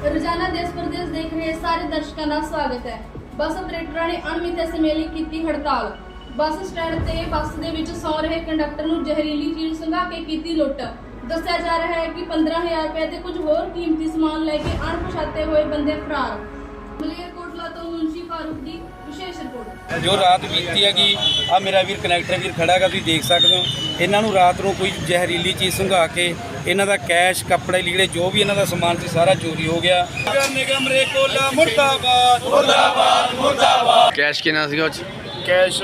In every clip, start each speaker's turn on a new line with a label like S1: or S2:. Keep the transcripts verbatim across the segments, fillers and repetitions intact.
S1: ਰੋਜ਼ਾਨਾ ਦੇਸ਼ ਪ੍ਰਦੇਸ਼ ਦੇਖ ਰਹੇ ਸਾਰੇ ਦਰਸ਼ਕਾਂ ਦਾ ਸਵਾਗਤ ਹੈ। ਬੱਸ ਆਪਰੇਟਰਾਂ ਨੇ ਅਣਮਿੱਥੇ ਸਮੇਂ ਲਈ ਕੀਤੀ ਹੜਤਾਲ। ਬੱਸ ਸਟੈਂਡ ਤੇ ਬੱਸ ਦੇ ਵਿੱਚ ਸੌ ਰਹੇ ਕੰਡਕਟਰ ਨੂੰ ਜ਼ਹਿਰੀਲੀ ਚੀਜ਼ ਸੰਘਾ ਕੇ ਕੀਤੀ ਲੁੱਟ। ਦੱਸਿਆ ਜਾ ਰਿਹਾ ਹੈ ਕਿ ਪੰਦਰਾਂ ਹਜ਼ਾਰ ਰੁਪਏ ਤੇ ਕੁਝ ਹੋਰ ਕੀਮਤੀ ਸਮਾਨ ਲੈ ਕੇ ਅਣਪਛਾਤੇ ਹੋਏ ਬੰਦੇ ਫਰਾਰ। ਮਲੇਰਕੋਟਲਾ ਤੋਂ ਮੁਨਸ਼ੀ ਫਾਰੂਕ ਦੀ ਵਿਸ਼ੇਸ਼ ਰਿਪੋਰਟ।
S2: ਜੋ ਰਾਤ ਬੀਤੀ ਹੈਗੀ ਆ ਮੇਰਾ ਵੀਰ ਕਨੈਕਟਰ ਵੀਰ ਖੜਾ ਹੈਗਾ, ਤੁਸੀਂ ਦੇਖ ਸਕਦੇ ਹੋ। ਇਹਨਾਂ ਨੂੰ ਰਾਤ ਨੂੰ ਕੋਈ ਜ਼ਹਿਰੀਲੀ ਚੀਜ਼ ਸੰਘਾ ਕੇ ਇਹਨਾਂ ਦਾ ਕੈਸ਼, ਕੱਪੜੇ, ਲੀੜੇ, ਜੋ ਵੀ ਇਹਨਾਂ ਦਾ ਸਮਾਨ ਸੀ ਸਾਰਾ ਚੋਰੀ ਹੋ ਗਿਆ। ਨਿਗਮ ਮਲੇਰਕੋਟਲਾ ਮੁਰਦਾਬਾਦ ਮੁਰਦਾਬਾਦ ਮੁਰਦਾਬਾਦ।
S3: ਕੈਸ਼ ਕਿੰਨਾ ਸੀਗਾ ਉਹ 'ਚ?
S4: ਕੈਸ਼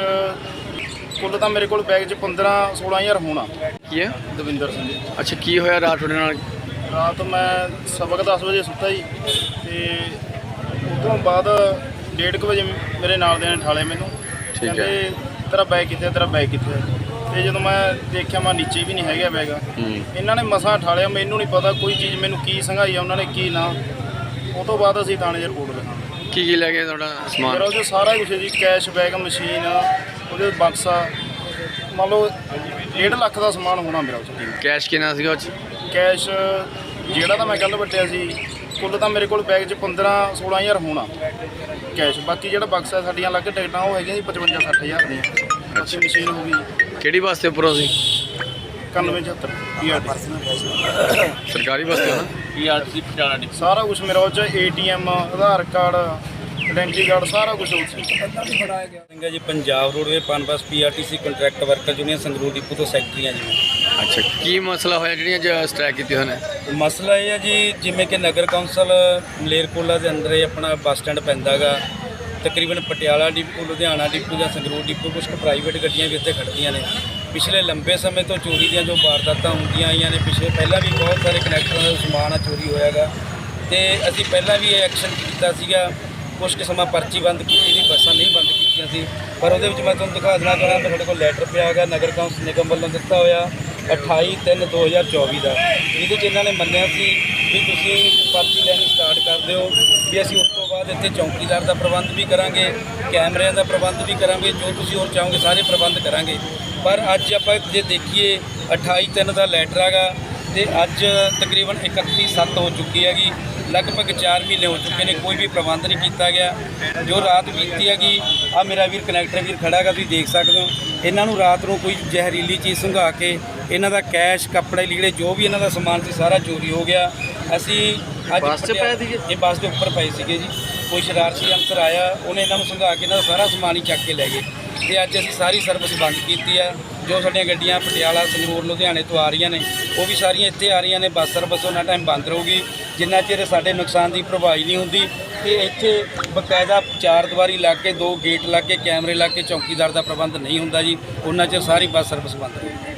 S4: ਕੁੱਲ ਤਾਂ ਮੇਰੇ ਕੋਲ ਬੈਗ 'ਚ ਪੰਦਰਾਂ ਸੋਲਾਂ ਹਜ਼ਾਰ ਹੋਣਾ।
S3: ਕੀ ਹੈ?
S4: ਦਵਿੰਦਰ ਸਿੰਘ ਜੀ।
S3: ਅੱਛਾ, ਕੀ ਹੋਇਆ ਰਾਤ ਤੁਹਾਡੇ ਨਾਲ?
S4: ਰਾਤ ਮੈਂ ਸਵਾ ਕੁ ਦਸ ਵਜੇ ਸੁੱਤਾ ਜੀ, ਅਤੇ ਉਸ ਤੋਂ ਬਾਅਦ ਡੇਢ ਕੁ ਵਜੇ ਮੇਰੇ ਨਾਲ ਦੇ ਨੇ ਠਾਲੇ ਮੈਨੂੰ।
S3: ਠੀਕ ਹੈ।
S4: ਕਹਿੰਦੇ ਤੇਰਾ ਬੈਗ ਕਿੱਥੇ, ਤੇਰਾ ਬੈਗ ਕਿੱਥੇ? ਅਤੇ ਜਦੋਂ ਮੈਂ ਦੇਖਿਆ ਮੈਂ ਨੀਚੇ ਵੀ ਨਹੀਂ ਹੈਗਾ ਬੈਗ। ਇਹਨਾਂ ਨੇ ਮਸਾਂ ਠਾਲਿਆ, ਮੈਨੂੰ ਨਹੀਂ ਪਤਾ ਕੋਈ ਚੀਜ਼ ਮੈਨੂੰ ਕੀ ਸੰਘਾਈ ਆ ਉਹਨਾਂ ਨੇ ਕੀ ਨਾ। ਉਹ ਤੋਂ ਬਾਅਦ ਅਸੀਂ ਥਾਣੇ 'ਚ ਰਿਪੋਰਟ ਲਿਖਾਂਗੇ।
S3: ਕੀ ਕੀ ਲੈ ਗਏ ਤੁਹਾਡਾ ਸਮਾਨ?
S4: ਮੇਰਾ ਉਹਦੇ ਸਾਰਾ ਕੁਛ ਜੀ, ਕੈਸ਼, ਬੈਗ, ਮਸ਼ੀਨ, ਉਹਦੇ ਬਕਸਾ, ਮੰਨ ਲਓ ਡੇਢ ਲੱਖ ਦਾ ਸਮਾਨ ਹੋਣਾ ਮੇਰਾ ਉਸ 'ਚ।
S3: ਕੈਸ਼ ਕਿੰਨਾ ਸੀਗਾ ਉਹ 'ਚ?
S4: ਕੈਸ਼ ਜਿਹੜਾ ਤਾਂ ਮੈਂ ਕੱਲ੍ਹ ਵੱਟਿਆ ਸੀ, ਕੁੱਲ ਤਾਂ ਮੇਰੇ ਕੋਲ ਬੈਗ 'ਚ ਪੰਦਰਾਂ ਸੋਲਾਂ ਹਜ਼ਾਰ ਹੋਣਾ ਕੈਸ਼। ਬਾਕੀ ਜਿਹੜਾ ਬਕਸਾ ਸਾਡੀਆਂ ਅਲੱਗ ਟਿਕਟਾਂ ਉਹ ਹੈਗੀਆਂ ਜੀ ਪਚਵੰਜਾ ਸੱਠ ਹਜ਼ਾਰ ਦੀਆਂ। ਬਾਕੀ ਮਸ਼ੀਨ ਹੋ ਗਈ
S3: ਕਿਹੜੀ ਬੱਸ ਤੇ ਉੱਪਰੋਂ ਸੀ?
S4: ਇਕਾਨਵੇਂ ਛਿਹੱਤਰ ਪੀ ਆਰ ਟੀ
S3: ਸਰਕਾਰੀ ਬੱਸ ਤੇ? ਹਾਂ,
S4: ਪੀ ਆਰ ਟੀ ਪਟਿਆਲਾ ਡੀ। ਸਾਰਾ ਕੁਛ ਮੇਰਾ ਉਹ 'ਚ A T M, Aadhaar card, identity card, ਸਾਰਾ ਕੁਛ ਉਹ ਸੀ।
S2: Singh ji, Punjab roadway Punbus P R T C contract worker union Sangrur depot ਤੋਂ ਸੈਕਟਰੀ ਹਾਂ ਜੀ।
S3: ਅੱਛਾ, ਕੀ ਮਸਲਾ ਹੋਇਆ ਜਿਹੜੀਆਂ ਅੱਜ ਸਟ੍ਰਾਈਕ ਕੀਤੀ ਹੋਏ ਨੇ?
S2: ਮਸਲਾ ਇਹ ਹੈ ਜੀ, ਜਿਵੇਂ ਕਿ ਨਗਰ ਕੌਂਸਲ ਮਲੇਰਕੋਟਲਾ ਦੇ ਅੰਦਰ ਇਹ ਆਪਣਾ ਬੱਸ ਸਟੈਂਡ ਪੈਂਦਾ ਗਾ। ਤਕਰੀਬਨ ਪਟਿਆਲਾ ਡਿਪੂ, ਲੁਧਿਆਣਾ ਡਿਪੂ ਜਾਂ ਸੰਗਰੂਰ ਡਿਪੂ, ਕੁਝ ਕੁ ਪ੍ਰਾਈਵੇਟ ਗੱਡੀਆਂ ਵੀ ਇੱਥੇ ਖੜ੍ਹਦੀਆਂ ਨੇ। ਪਿਛਲੇ ਲੰਬੇ ਸਮੇਂ ਤੋਂ ਚੋਰੀ ਦੀਆਂ ਜੋ ਵਾਰਦਾਤਾਂ ਹੁੰਦੀਆਂ ਆਈਆਂ ਨੇ, ਪਿਛਲੇ ਪਹਿਲਾਂ ਵੀ ਬਹੁਤ ਸਾਰੇ ਕਨੈਕਟਰਾਂ ਦਾ ਸਮਾਨ ਆ ਚੋਰੀ ਹੋਇਆ ਗਾ, ਅਤੇ ਅਸੀਂ ਪਹਿਲਾਂ ਵੀ ਇਹ ਐਕਸ਼ਨ ਕੀਤਾ ਸੀਗਾ। ਕੁਛ ਕੁ ਸਮਾਂ ਪਰਚੀ ਬੰਦ ਕੀਤੀ ਸੀ, ਬੱਸਾਂ ਨਹੀਂ ਬੰਦ ਕੀਤੀਆਂ ਸੀ। ਪਰ ਉਹਦੇ ਵਿੱਚ ਮੈਂ ਤੁਹਾਨੂੰ ਦਿਖਾ ਦੇਣਾ ਚਾਹੁੰਦਾ, ਸਾਡੇ ਕੋਲ ਲੈਟਰ ਪਿਆ ਹੈਗਾ ਨਗਰ ਕੌਂਸਲ ਨਿਗਮ ਵੱਲੋਂ ਦਿੱਤਾ ਹੋਇਆ ਅਠਾਈ ਤਿੰਨ ਦੋ ਹਜ਼ਾਰ ਚੌਵੀ ਦਾ, ਜਿਹਦੇ 'ਚ ਇਹਨਾਂ ਨੇ ਮੰਨਿਆ ਸੀ ਵੀ ਤੁਸੀਂ ਪਰਚੀ ਲੈਣੀ ਸਟਾਰਟ ਕਰ ਦਿਓ, ਵੀ ਅਸੀਂ ਉਸ ਤੋਂ ਬਾਅਦ ਇੱਥੇ ਚੌਕੀਦਾਰ ਦਾ ਪ੍ਰਬੰਧ ਵੀ ਕਰਾਂਗੇ, ਕੈਮਰਿਆਂ ਦਾ ਪ੍ਰਬੰਧ ਵੀ ਕਰਾਂਗੇ, ਜੋ ਤੁਸੀਂ ਹੋਰ ਚਾਹੋਗੇ ਸਾਰੇ ਪ੍ਰਬੰਧ ਕਰਾਂਗੇ। ਪਰ ਅੱਜ ਆਪਾਂ ਜੇ ਦੇਖੀਏ ਅਠਾਈ ਤਿੰਨ ਦਾ ਲੈਟਰ ਹੈਗਾ, ਅਤੇ ਅੱਜ ਤਕਰੀਬਨ ਇਕੱਤੀ ਸੱਤ ਹੋ ਚੁੱਕੀ ਹੈਗੀ, ਲਗਭਗ ਚਾਰ ਮਹੀਨੇ ਹੋ ਚੁੱਕੇ ਨੇ, ਕੋਈ ਵੀ ਪ੍ਰਬੰਧ ਨਹੀਂ ਕੀਤਾ ਗਿਆ। ਜੋ ਰਾਤ ਬੀਤੀ ਹੈਗੀ ਆ ਮੇਰਾ ਵੀਰ ਕਨੈਕਟਰ ਵੀਰ ਖੜਾ ਹੈਗਾ, ਤੁਸੀਂ ਦੇਖ ਸਕਦੇ ਹੋ। ਇਹਨਾਂ ਨੂੰ ਰਾਤ ਨੂੰ ਕੋਈ ਜ਼ਹਿਰੀਲੀ ਚੀਜ਼ ਸੰਘਾ ਕੇ ਇਹਨਾਂ ਦਾ ਕੈਸ਼, ਕੱਪੜੇ, ਲੀੜੇ, ਜੋ ਵੀ ਇਹਨਾਂ ਦਾ ਸਮਾਨ ਸੀ ਸਾਰਾ ਚੋਰੀ ਹੋ ਗਿਆ। ਅਸੀਂ ਅੱਜ
S3: ਬੱਸ 'ਚ ਪਏ ਸੀਗੇ?
S2: ਇਹ ਬੱਸ ਦੇ ਉੱਪਰ ਪਏ ਸੀਗੇ ਜੀ। ਕੋਈ ਸ਼ਰਾਰਤੀ ਅਨਸਰ ਆਇਆ, ਉਹਨੇ ਇਹਨਾਂ ਨੂੰ ਸੰਘਾ ਕੇ ਇਹਨਾਂ ਦਾ ਸਾਰਾ ਸਮਾਨ ਹੀ ਚੱਕ ਕੇ ਲੈ ਗਏ। ਅਤੇ ਅੱਜ ਅਸੀਂ ਸਾਰੀ ਸਰਵਿਸ ਬੰਦ ਕੀਤੀ ਆ। ਜੋ ਸਾਡੀਆਂ ਗੱਡੀਆਂ ਪਟਿਆਲਾ, ਸੰਗਰੂਰ, ਲੁਧਿਆਣੇ ਤੋਂ ਆ ਰਹੀਆਂ ਨੇ, ਉਹ ਵੀ ਸਾਰੀਆਂ ਇੱਥੇ ਆ ਰਹੀਆਂ ਨੇ। ਬੱਸ ਸਰਵਿਸ ਉਹਨਾਂ ਟਾਈਮ ਬੰਦ ਰਹੂਗੀ ਜਿੰਨਾ ਚਿਰ ਸਾਡੇ ਨੁਕਸਾਨ ਦੀ ਭਰਪਾਈ ਨਹੀਂ ਹੁੰਦੀ। ਅਤੇ ਇੱਥੇ ਬਕਾਇਦਾ ਚਾਰ ਦੀਵਾਰੀ ਲਾ ਕੇ, ਦੋ ਗੇਟ ਲਾ ਕੇ, ਕੈਮਰੇ ਲਾ ਕੇ, ਚੌਕੀਦਾਰ ਦਾ ਪ੍ਰਬੰਧ ਨਹੀਂ ਹੁੰਦਾ ਜੀ, ਉਹਨਾਂ ਚਿਰ ਸਾਰੀ ਬੱਸ ਸਰਵਿਸ ਬੰਦ ਰਹੂਗੀ।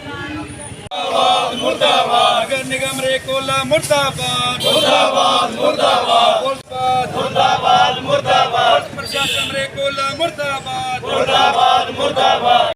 S2: ਮੁਰਦਾਬਾਦ ਮੁਰਦਾਬਾਦ। ਨਗਰ ਨਿਗਮ ਮਲੇਰਕੋਟਲਾ ਮੁਰਦਾਬਾਦ ਮੁਰਦਾਬਾਦ ਮੁਰਦਾਬਾਦ।